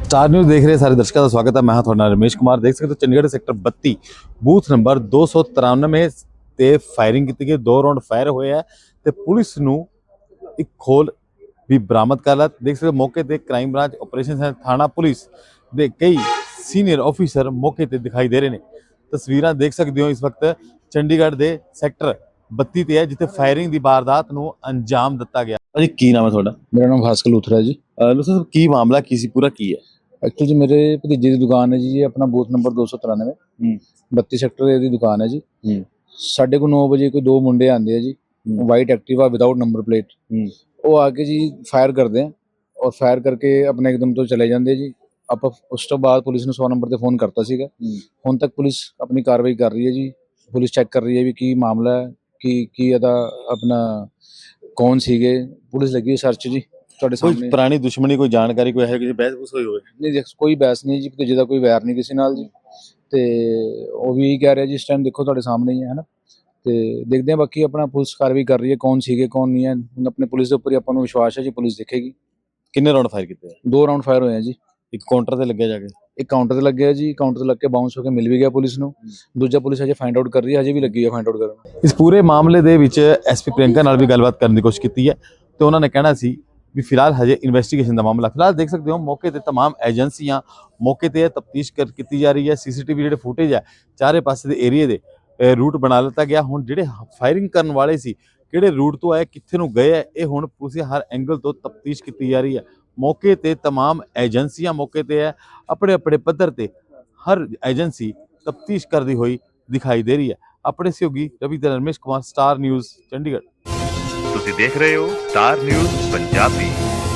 Star news देख रहे सारे दर्शकों का स्वागत है। मैं हाँ थोड़ा रमेश कुमार। देख सकते हो चंडीगढ़ सैक्टर 32 बूथ नंबर 293 ਤੇ ਫਾਇਰਿੰਗ ਕੀਤੀ ਗਈ। 2 ਰਾਉਂਡ ਫਾਇਰ ਹੋਏ ਆ ਤੇ ਪੁਲਿਸ ਨੂੰ ਇੱਕ ਖੋਲ ਵੀ ਬਰਾਮਦ ਕਰ ਲਿਆ। ਦੇਖ ਸਕਦੇ ਹੋ ਮੌਕੇ ਤੇ ਕ੍ਰਾਈਮ ਬ੍ਰਾਂਚ ਆਪਰੇਸ਼ਨ ਹੈ ਥਾਣਾ ਪੁਲਿਸ ਦੇ ਕਈ ਸੀਨੀਅਰ ਆਫੀਸਰ ਮੌਕੇ ਤੇ ਦਿਖਾਈ ਦੇ ਰਹੇ ਨੇ। ਤਸਵੀਰਾਂ ਦੇਖ ਸਕਦੇ ਹੋ ਇਸ ਵਕਤ ਚੰਡੀਗੜ੍ਹ ਦੇ ਸੈਕਟਰ 32 ਤੇ ਹੈ ਜਿੱਥੇ ਫਾਇਰਿੰਗ ਦੀ ਵਾਰਦਾਤ ਨੂੰ ਅੰਜਾਮ ਦਿੱਤਾ ਗਿਆ। ਅਜੀ ਕੀ ਨਾਮ ਹੈ ਤੁਹਾਡਾ? मेरा नाम भास्कर लूथरा है जी। ਲੁਸਾ ਸਾਹਿਬ ਕੀ ਮਾਮਲਾ ਕੀ ਸੀ ਪੂਰਾ ਕੀ ਹੈ? एक्चुअली जी मेरे भतीजे की दुकान है जी, ये अपना बूथ नंबर 293 32 सैक्टर की दुकान है जी। 9:30 बजे कोई 2 मुंडे आते हैं जी, white Activa without number plate. वो आके जी फायर करते हैं और फायर करके अपने एकदम तो चले जाते जी। आप उस तो बाद पुलिस ने 100 नंबर से फोन करता सीगा। ਹੁਣ तक पुलिस अपनी कार्रवाई कर रही है जी। पुलिस चेक कर रही है भी की मामला है की ਇਹਦਾ अपना कौन ਸੀਗੇ। पुलिस लगी है सर्च जी। ਕੋਈ ਪੁਰਾਣੀ ਦੁਸ਼ਮਣੀ ਕੋਈ ਜਾਣਕਾਰੀ ਕੋਈ ਹੈ ਕਿਸੇ ਬਹਿਸ ਬੂਸ ਹੋਈ ਹੋਵੇ? ਨਹੀਂ ਦੇਖ ਕੋਈ ਬਹਿਸ ਨਹੀਂ ਜੀ, ਭਤੀਜੇ ਦਾ ਕੋਈ ਵੈਰ ਨਹੀਂ ਕਿਸੇ ਨਾਲ ਜੀ। ਤੇ ਉਹ ਵੀ ਇਹੀ ਕਹਿ ਰਿਹਾ ਜੀ ਇਸ ਟਾਈਮ ਦੇਖੋ ਤੁਹਾਡੇ ਸਾਹਮਣੇ ਹੀ ਹੈ ਨਾ। ਤੇ ਦੇਖਦੇ ਹਾਂ ਬਾਕੀ ਆਪਣਾ ਪੁਲਿਸ ਕਾਰਵਾਈ ਕਰ ਰਹੀ ਹੈ ਕੌਣ ਸੀਗੇ ਕੌਣ ਨਹੀਂ ਹੈ। ਹੁਣ ਆਪਣੇ ਪੁਲਿਸ ਦੇ ਉੱਪਰ ਹੀ ਆਪਾਂ ਨੂੰ ਵਿਸ਼ਵਾਸ ਹੈ ਜੀ, ਪੁਲਿਸ ਦੇਖੇਗੀ। ਕਿੰਨੇ ਰਾਉਂਡ ਫਾਇਰ ਕੀਤੇ? 2 ਰਾਉਂਡ ਫਾਇਰ ਹੋਏ ਆ ਜੀ। ਇੱਕ ਕਾਊਂਟਰ ਤੇ ਲੱਗਿਆ ਜਾ ਕੇ? ਇੱਕ ਕਾਊਂਟਰ ਤੇ ਲੱਗਿਆ ਜੀ, ਕਾਊਂਟਰ ਤੇ ਲੱਗ ਕੇ ਬਾਉਂਸ ਹੋ ਕੇ ਮਿਲ ਵੀ ਗਿਆ ਪੁਲਿਸ ਨੂੰ। ਦੂਜਾ ਪੁਲਿਸ ਅਜੇ ਫਾਈਂਡ ਆਊਟ ਕਰ ਰਹੀ ਹੈ, ਅਜੇ ਵੀ ਲੱਗੀ ਹੈ ਫਾਈਂਡ ਆਊਟ ਕਰਨ। ਇਸ ਪੂਰੇ ਮਾਮਲੇ ਦੇ ਵਿੱਚ ਐਸਪੀ ਪ੍ਰਿਯੰਕਾ ਨਾਲ ਵੀ ਗੱਲਬਾਤ ਕਰਨ ਦੀ ਕੋਸ਼ਿਸ਼ ਕੀਤੀ ਹੈ ਤੇ ਉਹਨਾਂ ਨੇ ਕਹਿਣਾ ਸੀ ਵੀ ਫਿਲਹਾਲ ਹਜੇ ਇਨਵੈਸਟੀਗੇਸ਼ਨ ਦਾ ਮਾਮਲਾ। ਫਿਲਹਾਲ ਦੇਖ ਸਕਦੇ ਹੋ ਮੌਕੇ ਤੇ तमाम ਏਜੰਸੀਆਂ ਮੌਕੇ ਤੇ ਤਫਤੀਸ਼ ਕੀਤੀ ਜਾ ਰਹੀ ਹੈ। ਸੀਸੀਟੀਵੀ ਜਿਹੜੇ ਫੁਟੇਜ ਹੈ ਚਾਰੇ ਪਾਸੇ ਦੇ ਏਰੀਏ ਦੇ ਰੂਟ ਬਣਾ ਲਿੱਤਾ ਗਿਆ। ਹੁਣ ਜਿਹੜੇ ਫਾਇਰਿੰਗ ਕਰਨ ਵਾਲੇ ਸੀ ਕਿਹੜੇ ਰੂਟ ਤੋਂ ਆਏ ਕਿੱਥੇ ਨੂੰ ਗਏ ਹੈ ਇਹ ਹੁਣ ਪੁਲਿਸ ਦੇ ਹਰ ਐਂਗਲ ਤੋਂ ਤਫਤੀਸ਼ ਕੀਤੀ ਜਾ ਰਹੀ ਹੈ। ਮੌਕੇ ਤੇ तमाम ਏਜੰਸੀਆਂ ਮੌਕੇ ਤੇ ਹੈ, ਆਪਣੇ ਆਪਣੇ ਪੱਧਰ ਤੇ ਹਰ ਏਜੰਸੀ ਤਫਤੀਸ਼ ਕਰਦੀ ਹੋਈ ਦਿਖਾਈ ਦੇ ਰਹੀ ਹੈ। ਆਪਣੇ ਸਹਿਯੋਗੀ ਰਵੀ ਤੇ ਰਮੇਸ਼ ਕੁਮਾਰ, ਸਟਾਰ ਨਿਊਜ਼ ਚੰਡੀਗੜ੍ਹ। ਤੁਸੀਂ ਦੇਖ ਰਹੇ ਹੋ ਸਟਾਰ ਨਿਊਜ਼ ਪੰਜਾਬੀ।